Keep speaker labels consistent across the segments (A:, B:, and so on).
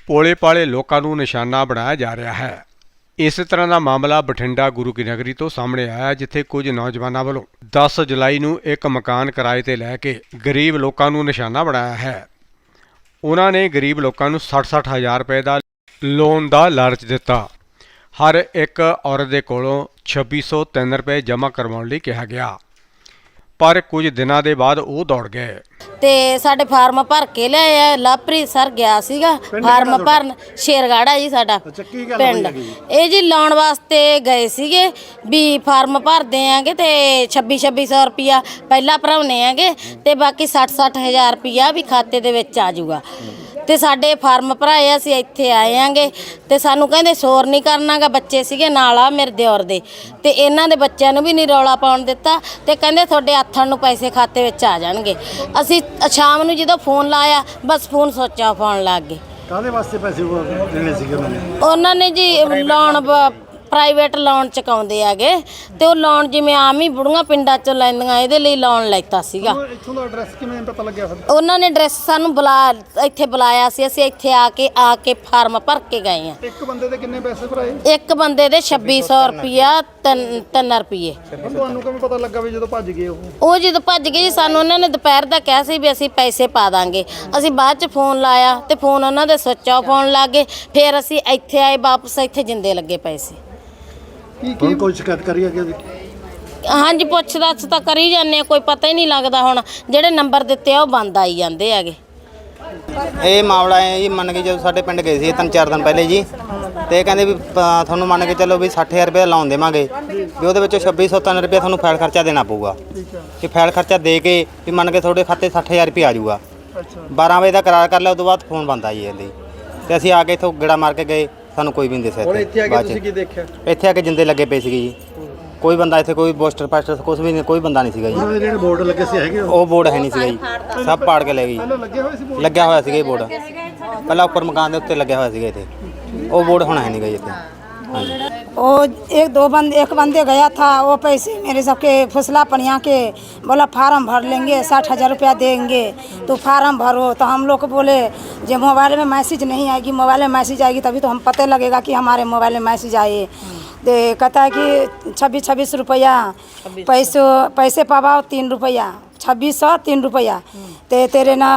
A: ਭੋਲੇ ਭਾਲੇ ਲੋਕਾਂ ਨੂੰ ਨਿਸ਼ਾਨਾ ਬਣਾਇਆ ਜਾ ਰਿਹਾ ਹੈ। ਇਸ ਤਰ੍ਹਾਂ ਦਾ ਮਾਮਲਾ ਬਠਿੰਡਾ ਗੁਰੂ ਕੀ ਨਗਰੀ ਤੋਂ ਸਾਹਮਣੇ ਆਇਆ, ਜਿੱਥੇ ਕੁਝ ਨੌਜਵਾਨਾਂ ਵੱਲੋਂ 10 ਜੁਲਾਈ ਨੂੰ ਇੱਕ ਮਕਾਨ ਕਿਰਾਏ ਤੇ ਲੈ ਕੇ ਗਰੀਬ ਲੋਕਾਂ ਨੂੰ ਨਿਸ਼ਾਨਾ ਬਣਾਇਆ ਹੈ। ਉਹਨਾਂ ਨੇ ਗਰੀਬ ਲੋਕਾਂ ਨੂੰ 60-60 ਹਜ਼ਾਰ ਰੁਪਏ ਦਾ ਲੋਨ ਦਾ ਲਾਲਚ ਦਿੱਤਾ। ਹਰ ਇੱਕ ਔਰਤ ਦੇ ਕੋਲੋਂ 2603 ਰੁਪਏ ਜਮ੍ਹਾਂ ਕਰਵਾਉਣ ਲਈ ਕਿਹਾ ਗਿਆ, ਪਰ ਕੁਝ ਦਿਨਾਂ ਦੇ ਬਾਅਦ ਉਹ ਦੌੜ ਗਏ
B: ਤੇ ਸਾਡੇ ਫਾਰਮ ਭਰ ਕੇ ਲਿਆਏ ਆ। ਲਵਪ੍ਰੀਤ ਸਰ ਗਿਆ ਸੀਗਾ ਫਾਰਮ ਭਰਨ, ਸ਼ੇਰਗਾੜਾ ਜੀ ਸਾਡਾ ਪਿੰਡ। ਇਹ ਜੀ ਲਾਉਣ ਵਾਸਤੇ ਗਏ ਸੀਗੇ ਵੀ ਫਾਰਮ ਭਰਦੇ ਆਂਗੇ ਤੇ 2600 ਰੁਪਿਆ ਪਹਿਲਾਂ ਭਰਾਉਣੇ ਆਂਗੇ ਤੇ ਬਾਕੀ 60 ਹਜ਼ਾਰ ਰੁਪਿਆ ਵੀ ਖਾਤੇ ਦੇ ਵਿੱਚ ਆ ਜਾਊਗਾ। ਤੇ ਸਾਡੇ ਫਾਰਮ ਭਰਾਏ, ਅਸੀਂ ਇੱਥੇ ਆਏ ਆਂਗੇ ਤੇ ਸਾਨੂੰ ਕਹਿੰਦੇ ਸ਼ੋਰ ਨਹੀਂ ਕਰਨਾਗਾ। ਬੱਚੇ ਸੀਗੇ ਨਾਲ ਆ ਮੇਰੇ ਦਿਓਰ ਦੇ, ਤੇ ਇਹਨਾਂ ਦੇ ਬੱਚਿਆਂ ਨੂੰ ਵੀ ਨਹੀਂ ਰੌਲਾ ਪਾਉਣ ਦਿੱਤਾ ਤੇ ਕਹਿੰਦੇ ਤੁਹਾਡੇ ਹੱਥਾਂ ਨੂੰ ਪੈਸੇ ਖਾਤੇ ਵਿੱਚ ਆ ਜਾਣਗੇ। ਅਸੀਂ ਸ਼ਾਮ ਨੂੰ ਜਦੋਂ ਫੋਨ ਲਾਇਆ ਬਸ ਫੋਨ ਸੁੱਚ ਆਫ ਆਉਣ ਲੱਗ ਗਏ।
C: ਕਾਹਦੇ ਵਾਸਤੇ ਪੈਸੇ ਦੇਣੇ ਸੀਗੇ
B: ਉਹਨਾਂ ਨੇ ਜੀ ਲੋਨ ਪ੍ਰਾਈਵੇਟ ਲੋਨ ਚੁਕਾਉਂਦੇ ਹੈਗੇ ਤੇ ਉਹ ਲੋਨ ਜਿਵੇਂ ਆਮ ਹੀ ਬੁੜੀਆਂ ਪਿੰਡਾਂ ਚੋਂ ਲੈਂਦੀਆਂ, ਇਹਦੇ ਲਈ ਲੋਨ ਲੈਤਾ ਸੀਗਾ।
C: ਇੱਥੋਂ ਦਾ ਐਡਰੈਸ ਕਿਵੇਂ ਪਤਾ ਲੱਗਿਆ?
B: ਉਹਨਾਂ ਨੇ ਐਡਰੈਸ ਸਾਨੂੰ ਇੱਥੇ ਬੁਲਾਇਆ ਸੀ, ਅਸੀਂ ਇੱਥੇ ਆ ਕੇ ਫਾਰਮ ਭਰ ਕੇ ਗਏ ਆ।
C: ਇੱਕ ਬੰਦੇ ਦੇ ਕਿੰਨੇ ਪੈਸੇ ਭਰਾਏ?
B: ਇੱਕ ਬੰਦੇ ਦੇ 2600 ਰੁਪਿਆ 3 ਰੁਪਏ।
C: ਤੁਹਾਨੂੰ ਕਿਵੇਂ ਪਤਾ ਲੱਗਾ ਵੀ ਜਦੋਂ ਭੱਜ ਗਏ
B: ਉਹ ਜਦੋਂ ਭੱਜ ਗਏ ਜੀ, ਸਾਨੂੰ ਉਹਨਾਂ ਨੇ ਦੁਪਹਿਰ ਦਾ ਕਿਹਾ ਸੀ ਵੀ ਅਸੀਂ ਪੈਸੇ ਪਾ ਦਾਂਗੇ। ਅਸੀਂ ਬਾਅਦ ਚ ਫੋਨ ਲਾਇਆ ਤੇ ਫੋਨ ਉਹਨਾਂ ਦੇ ਸੁੱਚ ਆਫ ਹੋਣ ਲੱਗ ਗਏ। ਫਿਰ ਅਸੀਂ ਇੱਥੇ ਆਏ ਵਾਪਸ, ਇੱਥੇ ਜਿੰਦੇ ਲੱਗੇ ਪੈਸੇ।
C: ਕੀ ਕੋਈ ਸ਼ਿਕਾਇਤ ਕਰੀ ਅੱਗੇ?
B: ਹਾਂਜੀ, ਪੁੱਛ ਦੱਸ ਤਾਂ ਕਰੀ ਜਾਂਦੇ ਆ, ਕੋਈ ਪਤਾ ਹੀ ਨਹੀਂ ਲੱਗਦਾ। ਹੁਣ ਜਿਹੜੇ ਨੰਬਰ ਦਿੱਤੇ ਆ ਉਹ ਬੰਦ ਆਈ ਜਾਂਦੇ ਹੈਗੇ।
D: ਇਹ ਮਾਮਲਾ ਹੈ ਜੀ, ਮੰਨ ਕੇ ਜਦੋਂ ਸਾਡੇ ਪਿੰਡ ਗਏ ਸੀ 3-4 ਦਿਨ ਪਹਿਲੇ ਜੀ, ਤੇ ਕਹਿੰਦੇ ਵੀ ਤੁਹਾਨੂੰ ਮੰਨ ਕੇ ਚੱਲੋ ਵੀ 60,000 ਰੁਪਏ ਲੋਨ ਦੇਵਾਂਗੇ, ਵੀ ਉਹਦੇ ਵਿੱਚੋਂ 2603 ਰੁਪਏ ਤੁਹਾਨੂੰ ਫਾਈਲ ਖਰਚਾ ਦੇਣਾ ਪਊਗਾ। ਕਿ ਫਾਈਲ ਖਰਚਾ ਦੇ ਕੇ ਵੀ ਮੰਨ ਕੇ ਤੁਹਾਡੇ ਖਾਤੇ 60,000 ਰੁਪਏ ਆ ਜਾਊਗਾ। 12 ਵਜੇ ਦਾ ਕਰਾਰ ਕਰ ਲਿਆ, ਉਸ ਤੋਂ ਬਾਅਦ ਫੋਨ ਬੰਦ ਆਈ ਜਾਂਦੀ ਤੇ ਅਸੀਂ ਆ ਕੇ ਇੱਥੋਂ ਗੇੜਾ ਮਾਰ ਕੇ ਗਏ, ਸਾਨੂੰ ਕੋਈ ਵੀ ਨਹੀਂ ਦੱਸਿਆ।
C: ਇੱਥੇ ਆ ਕੇ ਤੁਸੀਂ ਕੀ ਦੇਖਿਆ?
D: ਇੱਥੇ ਆ ਕੇ ਜਿੰਦੇ ਲੱਗੇ ਪਏ ਸੀਗੇ ਜੀ, ਕੋਈ ਬੰਦਾ ਇੱਥੇ ਕੋਈ ਪੋਸਟਰ ਪਾਸਟਰ ਕੁਝ ਵੀ ਨਹੀਂ, ਕੋਈ ਬੰਦਾ ਨਹੀਂ ਸੀਗਾ ਜੀ।
C: ਜਿਹੜੇ ਬੋਰਡ ਲੱਗੇ ਸੀ ਹੈਗੇ
D: ਉਹ ਬੋਰਡ ਹੈ ਨਹੀਂ ਸੀਗਾ ਜੀ, ਸਭ ਪਾੜ ਕੇ ਲੈ ਗਈ।
C: ਲੱਗੇ ਹੋਏ ਸੀ?
D: ਲੱਗਿਆ ਹੋਇਆ ਸੀਗਾ ਇਹ ਬੋਰਡ, ਪਹਿਲਾਂ ਉੱਪਰ ਮਕਾਨ ਦੇ ਉੱਤੇ ਲੱਗਿਆ ਹੋਇਆ ਸੀਗਾ ਇੱਥੇ, ਉਹ ਬੋਰਡ ਹੁਣ ਹੈ ਨਹੀਂ ਗਾ ਜੀ ਇੱਥੇ।
E: वो एक बंदे गया था, वो पैसे मेरे सबके फुसला पनिया के बोला फार्म भर लेंगे, 60,000 रुपया देंगे तो फार्म भरो। तो हम लोग को बोले जब मोबाइल में मैसेज नहीं आएगी, मोबाइल में मैसेज आएगी तभी तो हम पता लगेगा कि हमारे मोबाइल में मैसेज आए। तो कहता है कि 26 रुपया पैसे पावाओ 3 रुपया, 2600 3 रुपया। तो तेरे ना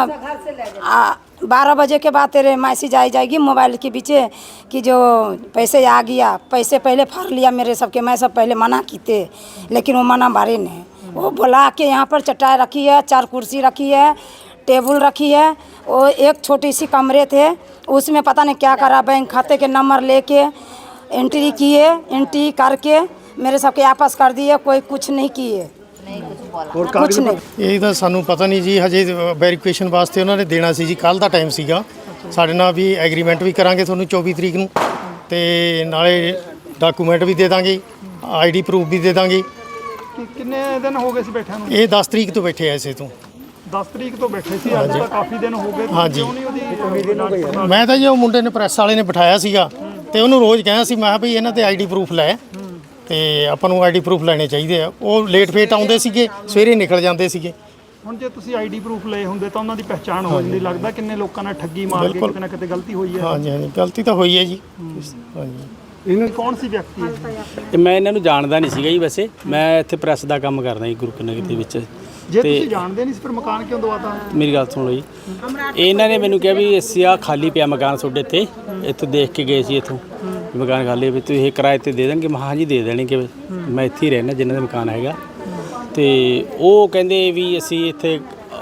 E: 12 बजे के बाद तेरे मैसेज आ जाएगी मोबाइल के पीछे कि जो पैसे आ गया। पैसे पहले फाड़ लिया मेरे सबके, मैं सब पहले मना की थे लेकिन वो मना बारे नहीं। वो बुला के यहाँ पर चटाई रखी है, 4 कुर्सी रखी है, टेबल रखी है। वो एक छोटी सी कमरे थे, उसमें पता नहीं क्या करा, बैंक खाते के नंबर लेके एंट्री किए, एंट्री करके मेरे सबके आपस कर दिए, कोई कुछ नहीं किए। कुछ नहीं।
C: ਇਹ ਤਾਂ ਸਾਨੂੰ ਪਤਾ ਨਹੀਂ ਜੀ, ਹਜੇ ਵੈਰੀਫਿਕੇਸ਼ਨ ਵਾਸਤੇ ਉਹਨਾਂ ਨੇ ਦੇਣਾ ਸੀ ਜੀ, ਕੱਲ ਦਾ ਟਾਈਮ ਸੀਗਾ। ਸਾਡੇ ਨਾਲ ਵੀ ਐਗਰੀਮੈਂਟ ਵੀ ਕਰਾਂਗੇ ਤੁਹਾਨੂੰ 24 ਤਰੀਕ ਨੂੰ, ਤੇ ਨਾਲੇ ਡਾਕੂਮੈਂਟ ਵੀ ਦੇ ਦਾਂਗੇ, ਆਈਡੀ ਪ੍ਰੂਫ ਵੀ ਦੇ ਦਾਂਗੇ।
F: ਕਿੰਨੇ ਦਿਨ ਹੋ ਗਏ ਸੀ ਬੈਠਿਆਂ ਨੂੰ?
C: ਇਹ 10 ਤਰੀਕ ਤੋਂ ਬੈਠੇ ਐਸੇ ਤੋਂ
F: 10 ਤਰੀਕ ਤੋਂ ਬੈਠੇ ਸੀ, ਅੱਜ ਤਾਂ ਕਾਫੀ ਦਿਨ ਹੋ ਗਏ।
C: ਹਾਂਜੀ।
F: ਕਿਉਂ ਨਹੀਂ ਉਹਦੀ
C: ਮੈਂ ਤਾਂ ਜੀ ਉਹ ਮੁੰਡੇ ਨੇ ਪ੍ਰੈਸ ਵਾਲੇ ਨੇ ਬਿਠਾਇਆ ਸੀਗਾ ਤੇ ਉਹਨੂੰ ਰੋਜ਼ ਕਿਹਾ ਸੀ, ਮੈਂ ਵੀ ਇਹਨਾਂ ਤੇ ਆਈਡੀ ਪ੍ਰੂਫ ਲੈ, ਤੇ ਆਪਾਂ ਨੂੰ ਆਈਡੀ ਪ੍ਰੂਫ ਲੈਣੇ ਚਾਹੀਦੇ ਆ। ਉਹ ਲੇਟ ਫੇਟ ਆਉਂਦੇ ਸੀਗੇ, ਸਵੇਰੇ ਨਿਕਲ ਜਾਂਦੇ ਸੀਗੇ।
F: ਹੁਣ ਜੇ ਤੁਸੀਂ ਆਈਡੀ ਪ੍ਰੂਫ ਲਏ ਹੁੰਦੇ ਤਾਂ ਉਹਨਾਂ ਦੀ ਪਹਿਚਾਣ ਹੋ ਜਾਂਦੀ। ਲੱਗਦਾ ਕਿੰਨੇ ਲੋਕਾਂ ਨਾਲ ਠੱਗੀ ਮਾਰ ਕੇ ਕਿਤੇ ਨਾ ਕਿਤੇ ਗਲਤੀ ਹੋਈ ਹੈ।
C: ਹਾਂਜੀ ਹਾਂਜੀ, ਗਲਤੀ ਤਾਂ ਹੋਈ ਹੈ ਜੀ। ਹਾਂਜੀ।
F: ਇਹਨਾਂ ਕੌਣ ਸੀ ਵਿਅਕਤੀ ਇਹ?
G: ਤੇ ਮੈਂ ਇਹਨਾਂ ਨੂੰ ਜਾਣਦਾ ਨਹੀਂ ਸੀਗਾ ਜੀ, ਵੈਸੇ ਮੈਂ ਇੱਥੇ ਪ੍ਰੈਸ ਦਾ ਕੰਮ ਕਰਦਾ ਜੀ ਗੁਰੂ ਕੀ ਨਗਰੀ ਦੇ ਵਿੱਚ।
F: ਜੇ ਤੁਸੀਂ ਜਾਣਦੇ ਨਹੀਂ ਸੀ ਫਿਰ ਮਕਾਨ ਕਿਉਂ ਦਵਾਤਾ?
G: ਮੇਰੀ ਗੱਲ ਸੁਣ ਲਓ ਜੀ, ਇਹਨਾਂ ਨੇ ਮੈਨੂੰ ਕਿਹਾ ਵੀ ਅਸੀਂ ਆ ਖਾਲੀ ਪਿਆ ਮਕਾਨ ਤੁਹਾਡੇ ਇੱਥੇ, ਇੱਥੋਂ ਦੇਖ ਕੇ ਗਏ ਸੀ ਇੱਥੋਂ ਮਕਾਨ ਖਾਲੀ, ਵੀ ਤੁਸੀਂ ਇਹ ਕਿਰਾਏ ਤੇ ਦੇ ਦੇਣਗੇ? ਮੈਂ ਹਾਂ ਜੀ ਦੇ ਦੇਣਗੇ, ਮੈਂ ਇੱਥੇ ਹੀ ਰਹਿਣਾ ਜਿੰਨਾ ਦਾ ਮਕਾਨ ਹੈਗਾ। ਤੇ ਉਹ ਕਹਿੰਦੇ ਵੀ ਅਸੀਂ ਇੱਥੇ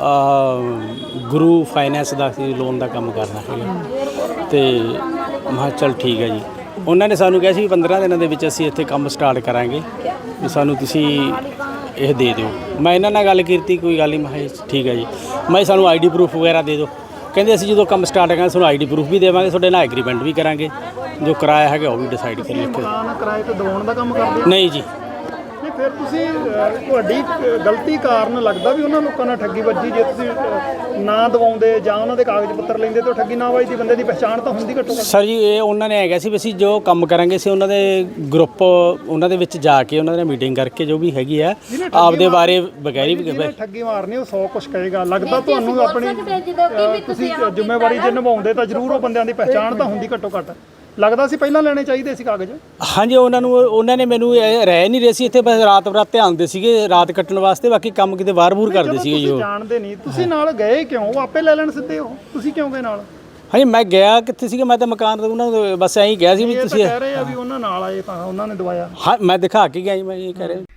G: ਗੁਰੂ ਫਾਈਨੈਂਸ ਦਾ ਅਸੀਂ ਲੋਨ ਦਾ ਕੰਮ ਕਰਨਾ ਹੈਗਾ। ਤੇ ਮੈਂ ਕਿਹਾ ਚੱਲ ਠੀਕ ਹੈ ਜੀ। ਉਹਨਾਂ ਨੇ ਸਾਨੂੰ ਕਿਹਾ ਸੀ ਵੀ 15 ਦਿਨਾਂ ਦੇ ਵਿੱਚ ਅਸੀਂ ਇੱਥੇ ਕੰਮ ਸਟਾਰਟ ਕਰਾਂਗੇ, ਵੀ ਸਾਨੂੰ ਤੁਸੀਂ ਇਹ ਦੇ ਦਿਓ। ਮੈਂ ਇਹਨਾਂ ਨਾਲ ਗੱਲ ਕੀਤੀ, ਕੋਈ ਗੱਲ ਨਹੀਂ। ਮੈਂ ਕਿਹਾ ਠੀਕ ਹੈ ਜੀ। ਮੈਂ ਸਾਨੂੰ ਆਈਡੀ ਪ੍ਰੂਫ ਵਗੈਰਾ ਦੇ ਦਿਓ। ਕਹਿੰਦੇ ਅਸੀਂ ਜਦੋਂ ਕੰਮ ਸਟਾਰਟ ਕਰਾਂਗੇ ਤੁਹਾਨੂੰ ਆਈਡੀ ਪ੍ਰੂਫ ਵੀ ਦੇਵਾਂਗੇ, ਤੁਹਾਡੇ ਨਾਲ ਐਗਰੀਮੈਂਟ ਵੀ ਕਰਾਂਗੇ, ਜੋ ਕਿਰਾਇਆ ਹੈਗਾ ਉਹ ਵੀ ਡਿਸਾਈਡ ਕਰ ਲਿਓ।
F: ਮਕਾਨ ਕਿਰਾਏ ਤੇ ਦਵਾਉਣ ਦਾ ਕੰਮ ਕਰਦੇ?
G: ਨਹੀਂ ਜੀ,
F: ਫਿਰ ਤੁਸੀਂ ਤੁਹਾਡੀ ਗਲਤੀ ਕਾਰਨ ਲੱਗਦਾ ਵੀ ਉਹਨਾਂ ਲੋਕਾਂ ਨਾਲ ਠੱਗੀ ਵੱਜੀ। ਜੇ ਤੁਸੀਂ ਨਾ ਦਵਾਉਂਦੇ ਜਾਂ ਉਹਨਾਂ ਦੇ ਕਾਗਜ਼ ਪੱਤਰ ਲੈਂਦੇ ਤਾਂ ਠੱਗੀ ਨਾ ਵੱਜਦੀ, ਬੰਦੇ ਦੀ ਪਛਾਣ ਤਾਂ ਹੁੰਦੀ ਘੱਟੋ ਘੱਟ।
G: ਸਰ ਜੀ ਇਹ ਉਹਨਾਂ ਨੇ ਹੈਗਾ ਸੀ ਵੀ ਅਸੀਂ ਜੋ ਕੰਮ ਕਰਾਂਗੇ ਸੀ ਉਹਨਾਂ ਦੇ ਗਰੁੱਪ ਉਹਨਾਂ ਦੇ ਵਿੱਚ ਜਾ ਕੇ ਉਹਨਾਂ ਨਾਲ ਮੀਟਿੰਗ ਕਰਕੇ ਜੋ ਵੀ ਹੈਗੀ ਆ ਆਪਦੇ ਬਾਰੇ ਬਗੈਰੀ
F: ਜਿਹਨੇ ਠੱਗੀ ਮਾਰਨੀ ਉਹ 100 ਕੁਛ ਕਹੇਗਾ। ਲੱਗਦਾ ਤੁਹਾਨੂੰ ਆਪਣੀ ਤੁਸੀਂ ਜ਼ਿੰਮੇਵਾਰੀ ਜੇ ਨਿਭਾਉਂਦੇ ਤਾਂ ਜ਼ਰੂਰ ਉਹ ਬੰਦਿਆਂ ਦੀ ਪਛਾਣ ਤਾਂ ਹੁੰਦੀ ਘੱਟੋ ਘੱਟ। ਲੱਗਦਾ ਸੀ ਪਹਿਲਾਂ ਲੈਣੇ ਚਾਹੀਦੇ ਸੀ ਕਾਗਜ਼।
G: ਹਾਂਜੀ ਉਹਨਾਂ ਨੇ ਮੈਨੂੰ ਰਹਿ ਨਹੀਂ ਰਹੇ ਸੀ ਇੱਥੇ, ਬਸ ਰਾਤ ਬਰਾਤ ਤੇ ਆਉਂਦੇ ਸੀਗੇ ਰਾਤ ਕੱਟਣ ਵਾਸਤੇ, ਬਾਕੀ ਕੰਮ ਕਿਤੇ ਬਾਹਰ-ਬੂਰ ਕਰਦੇ ਸੀਗੇ ਜੀ।
F: ਤੁਸੀਂ ਜਾਣਦੇ ਨਹੀਂ, ਤੁਸੀਂ ਨਾਲ ਗਏ ਕਿਉਂ? ਉਹ ਆਪੇ ਲੈ ਲੈਣ ਸਿੱਧੇ, ਉਹ ਤੁਸੀਂ ਕਿਉਂ ਗਏ ਨਾਲ?
G: ਹਾਂਜੀ ਮੈਂ ਗਿਆ ਕਿੱਥੇ ਸੀਗਾ, ਮੈਂ ਤਾਂ ਮਕਾਨ ਤੋਂ ਉਹਨਾਂ ਨੂੰ ਬਸ ਐਂ ਹੀ ਕਿਹਾ ਸੀ ਵੀ ਤੁਸੀਂ
F: ਕਹਿ ਰਹੇ ਆ ਵੀ ਉਹਨਾਂ ਨਾਲ ਆਏ ਤਾਂ ਉਹਨਾਂ ਨੇ ਦਵਾਇਆ।
G: ਹਾਂ ਮੈਂ ਦਿਖਾ ਕੇ ਗਿਆ ਜੀ, ਮੈਂ ਇਹ ਕਹਿ ਰਿਹਾ।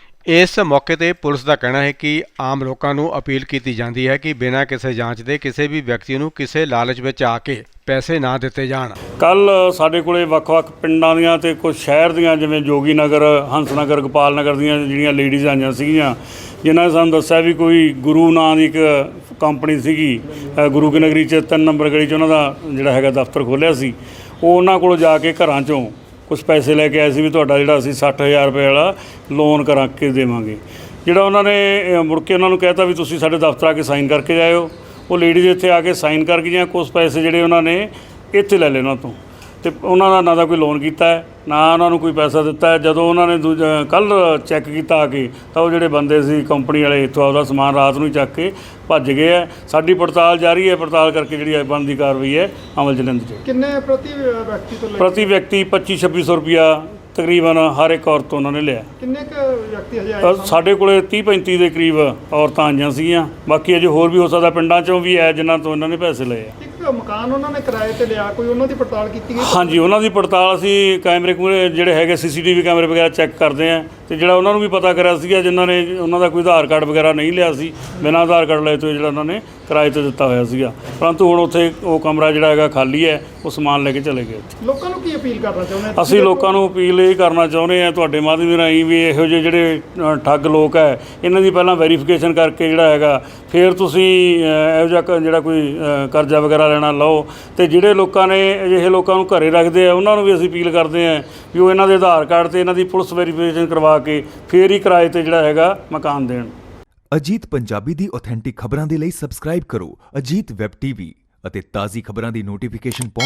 A: ਇਸ ਮੌਕੇ ਤੇ ਪੁਲਿਸ ਦਾ ਕਹਿਣਾ ਹੈ ਕਿ ਆਮ ਲੋਕਾਂ ਨੂੰ ਅਪੀਲ ਕੀਤੀ ਜਾਂਦੀ ਹੈ ਕਿ ਬਿਨਾਂ ਕਿਸੇ ਜਾਂਚ ਦੇ ਕਿਸੇ ਵੀ ਵਿਅਕਤੀ ਨੂੰ ਕਿਸੇ ਲਾਲਚ ਵਿੱਚ ਆ ਕੇ ਪੈਸੇ ਨਾ ਦਿੱਤੇ ਜਾਣ।
H: ਕੱਲ ਸਾਡੇ ਕੋਲੇ ਵੱਖ-ਵੱਖ ਪਿੰਡਾਂ ਦੀਆਂ ਤੇ ਕੁਝ ਸ਼ਹਿਰ ਦੀਆਂ ਜਿਵੇਂ ਜੋਗੀ ਨਗਰ, ਹੰਸ ਨਗਰ, ਗੋਪਾਲ ਨਗਰ ਦੀਆਂ ਜਿਹੜੀਆਂ ਲੇਡੀਜ਼ ਆਈਆਂ ਸੀਗੀਆਂ, ਜਿਨ੍ਹਾਂ ਨੇ ਸਾਨੂੰ ਦੱਸਿਆ ਵੀ ਕੋਈ ਗੁਰੂ ਨਾਂ ਦੀ ਇੱਕ ਕੰਪਨੀ ਸੀਗੀ ਗੁਰੂ ਕੀ ਨਗਰੀ 'ਚ 3 ਨੰਬਰ ਗਲੀ 'ਚ ਉਹਨਾਂ ਦਾ ਜਿਹੜਾ ਹੈਗਾ ਦਫ਼ਤਰ ਖੋਲ੍ਹਿਆ ਸੀ। ਉਹ ਉਹਨਾਂ ਕੋਲ ਜਾ ਕੇ ਘਰਾਂ 'ਚੋਂ ਕੁਛ ਪੈਸੇ ਲੈ ਕੇ ਆਏ ਸੀ ਵੀ ਤੁਹਾਡਾ ਜਿਹੜਾ ਅਸੀਂ 60,000 ਰੁਪਏ ਵਾਲਾ ਲੋਨ ਕਰਾ ਕੇ ਦੇਵਾਂਗੇ। ਜਿਹੜਾ ਉਹਨਾਂ ਨੇ ਮੁੜ ਕੇ ਉਹਨਾਂ ਨੂੰ ਕਹਿਤਾ ਵੀ ਤੁਸੀਂ ਸਾਡੇ ਦਫ਼ਤਰ ਆ ਕੇ ਸਾਈਨ ਕਰਕੇ ਜਾਇਓ। ਉਹ ਲੇਡੀਜ਼ ਇੱਥੇ ਆ ਕੇ ਸਾਈਨ ਕਰਕੇ ਜਾਂ ਕੁਛ ਪੈਸੇ ਜਿਹੜੇ ਉਹਨਾਂ ਨੇ ਇੱਥੇ ਲੈ ਲਏ ਉਹਨਾਂ ਤੋਂ, ਤੇ ਉਹਨਾਂ ਦਾ ਨਾ ਤਾਂ ਕੋਈ ਲੋਨ ਕੀਤਾ ਹੈ ਨਾ ਉਹਨਾਂ ਨੂੰ ਕੋਈ ਪੈਸਾ ਦਿੱਤਾ ਹੈ। ਜਦੋਂ ਉਹਨਾਂ ਨੇ ਕੱਲ੍ਹ ਚੈੱਕ ਕੀਤਾ ਆ ਕੇ ਤਾਂ ਉਹ ਜਿਹੜੇ ਬੰਦੇ ਸੀ ਕੰਪਨੀ ਵਾਲੇ ਇੱਥੋਂ ਆਪਦਾ ਸਮਾਨ ਰਾਤ ਨੂੰ ਹੀ ਚੱਕ ਕੇ ਭੱਜ ਗਏ ਹੈ। ਸਾਡੀ ਪੜਤਾਲ ਜਾਰੀ ਹੈ, ਪੜਤਾਲ ਕਰਕੇ ਜਿਹੜੀ ਬਣਦੀ ਕਾਰਵਾਈ ਹੈ ਅਮਲ 'ਚ ਲੈਂਦੀ ਜਾਏ।
F: ਕਿੰਨੇ ਪ੍ਰਤੀ ਵਿਅਕਤੀ ਤੋਂ
H: ਪ੍ਰਤੀ ਵਿਅਕਤੀ 2500-2600 ਰੁਪਇਆ ਤਕਰੀਬਨ ਹਰ ਇੱਕ ਔਰਤ ਤੋਂ ਉਹਨਾਂ ਨੇ ਲਿਆ।
F: ਕਿੰਨੇ ਕੁ ਵਿਅਕਤੀ ਹਜੇ ਆਏ?
H: ਸਾਡੇ ਕੋਲੇ 30-35 ਦੇ ਕਰੀਬ ਔਰਤਾਂ ਆਈਆਂ ਸੀਗੀਆਂ, ਬਾਕੀ ਅਜੇ ਹੋਰ ਵੀ ਹੋ ਸਕਦਾ ਪਿੰਡਾਂ 'ਚੋਂ ਵੀ ਹੈ ਜਿਨ੍ਹਾਂ ਤੋਂ ਇਹਨਾਂ ਨੇ ਪੈਸੇ ਲਏ ਆ।
F: ਇੱਕ ਮਕਾਨ ਉਹਨਾਂ ਨੇ ਕਿਰਾਏ ਤੇ ਲਿਆ, ਕੋਈ ਉਹਨਾਂ ਦੀ ਪੜਤਾਲ ਕੀਤੀ ਗਈ?
H: ਹਾਂਜੀ ਉਹਨਾਂ ਦੀ ਪੜਤਾਲ ਅਸੀਂ ਕੈਮਰੇ ਜਿਹੜੇ ਹੈਗੇ CCTV ਕੈਮਰੇ ਵਗੈਰਾ ਚੈੱਕ ਕਰਦੇ ਆ, ਤੇ ਜਿਹੜਾ ਉਹਨਾਂ ਨੂੰ ਵੀ ਪਤਾ ਕਰਿਆ ਸੀਗਾ ਜਿਨ੍ਹਾਂ ਨੇ ਉਹਨਾਂ ਦਾ ਕੋਈ ਆਧਾਰ ਕਾਰਡ ਵਗੈਰਾ ਨਹੀਂ ਲਿਆ ਸੀ, ਬਿਨਾਂ ਆਧਾਰ ਕਾਰਡ ਲਏ ਤੋਂ ਜਿਹੜਾ ਉਹਨਾਂ ਨੇ ਕਿਰਾਏ ਤੇ ਦਿੱਤਾ ਹੋਇਆ ਸੀਗਾ, ਪਰੰਤੂ ਹੁਣ ਉੱਥੇ ਉਹ ਕਮਰਾ ਜਿਹੜਾ ਹੈਗਾ ਖਾਲੀ ਹੈ, ਉਹ ਸਮਾਨ ਲੈ ਕੇ ਚਲੇ ਗਏ ਉੱਥੇ।
F: ਲੋਕਾਂ ਨੂੰ ਕੀ ਅਪੀਲ ਕਰਨਾ ਚਾਹੁੰਦੇ?
H: ਅਸੀਂ ਲੋਕਾਂ ਨੂੰ ਅਪੀਲ ਇਹ ਕਰਨਾ ਚਾਹੁੰਦੇ ਹਾਂ ਤੁਹਾਡੇ ਮਾਧਿਅਮ ਰਾਹੀਂ ਵੀ ਇਹੋ ਜਿਹੇ ਜਿਹੜੇ ਠੱਗ ਲੋਕ ਹੈ ਇਹਨਾਂ ਦੀ ਪਹਿਲਾਂ ਵੈਰੀਫਿਕੇਸ਼ਨ ਕਰਕੇ ਜਿਹੜਾ ਹੈਗਾ ਫਿਰ ਤੁਸੀਂ ਇਹੋ ਜਿਹਾ ਜਿਹੜਾ ਕੋਈ ਕਰਜ਼ਾ ਵਗੈਰਾ ਲੈਣਾ ਲਓ। ਤੇ ਜਿਹੜੇ ਲੋਕਾਂ ਨੇ ਅਜਿਹੇ ਲੋਕਾਂ ਨੂੰ ਘਰੇ ਰੱਖਦੇ ਆ ਉਹਨਾਂ ਨੂੰ ਵੀ ਅਸੀਂ ਅਪੀਲ ਕਰਦੇ ਹਾਂ ਵੀ ਉਹ ਇਹਨਾਂ ਦੇ ਆਧਾਰ ਕਾਰਡ ਤੇ ਇਹਨਾਂ ਦੀ ਪੁਲਿਸ ਵੈਰੀਫਿਕੇਸ਼ਨ ਕਰਵਾ ਕੇ ਫਿਰ ਹੀ ਕਿਰਾਏ ਤੇ ਜਿਹੜਾ ਹੈਗਾ ਮਕਾਨ ਦੇਣ।
I: ਅਜੀਤ ਪੰਜਾਬੀ ਦੀ ਆਥੈਂਟਿਕ ਖਬਰਾਂ ਦੇ ਲਈ ਸਬਸਕ੍ਰਾਈਬ ਕਰੋ ਅਜੀਤ ਵੈਬ ਟੀਵੀ ਅਤੇ ਤਾਜ਼ੀ ਖਬਰਾਂ ਦੀ ਨੋਟੀਫਿਕੇਸ਼ਨ